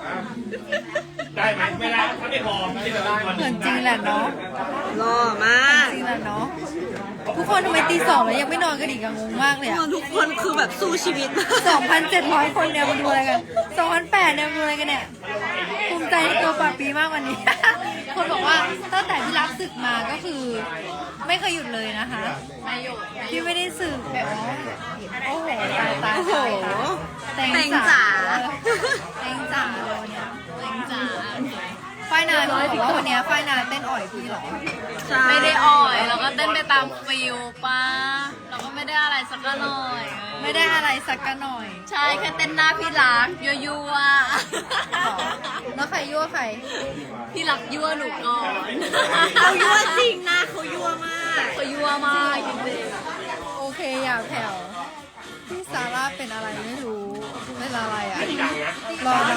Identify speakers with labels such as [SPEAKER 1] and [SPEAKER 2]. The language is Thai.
[SPEAKER 1] ได้ไหมไม่ได้ถ้าไม่พอไม่ได้
[SPEAKER 2] เหมือนจริงแหละเนาะ
[SPEAKER 3] หล่อมาก
[SPEAKER 2] จริงแหละเนาะทุกคนทำไมตี 2แล้วยังไม่นอนกันอีกอะงงมากเลยอะ
[SPEAKER 3] ทุกคนคือแบบสู้ชีวิต
[SPEAKER 2] 2,700 คนเนี่ยมาดูอะไรกัน2,800เนี่ยมาดูอะไรกันเนี่ยภูมิใจในตัวปาปีมากวันนี้ คนบอกว่าตั้งแต่ที่รับศึกมาก็คือ ไม่เคยหยุดเลยนะคะไม่หยุดที่ไม่ได้ศึกแบบโอ้โหตาย
[SPEAKER 3] โอ้โห
[SPEAKER 2] แตง
[SPEAKER 3] แตงจ๋า
[SPEAKER 2] แตงจ๋าเลยวันเนี้ยแตงจ๋าฝ้ายนาบอกว่าวันเนี้ยฝ้ายนาเต้นอ่อยพี่เหรอ
[SPEAKER 4] ไม่ได้อ่อยแล้วก็เต้นไปตามฟิลป้าเราก็ไม่ได้อะไรสักหน่อย
[SPEAKER 2] ไม่ได้อะไรสักกันหน่อย
[SPEAKER 4] ใช่แค่เต้นหน้าพี่รักยั่ว
[SPEAKER 2] แล้วใครยั่วใคร
[SPEAKER 4] ๆพี่รักยั่วหนูก่อน
[SPEAKER 3] เขายั่วจริงนะเขายั่วมาก
[SPEAKER 4] เขายั่วมากจริง
[SPEAKER 2] โอเคอย่าแผ่วพี่ซาร่าเป็นอะไรไม่รู้เป็นอะไรอ่ะรอน้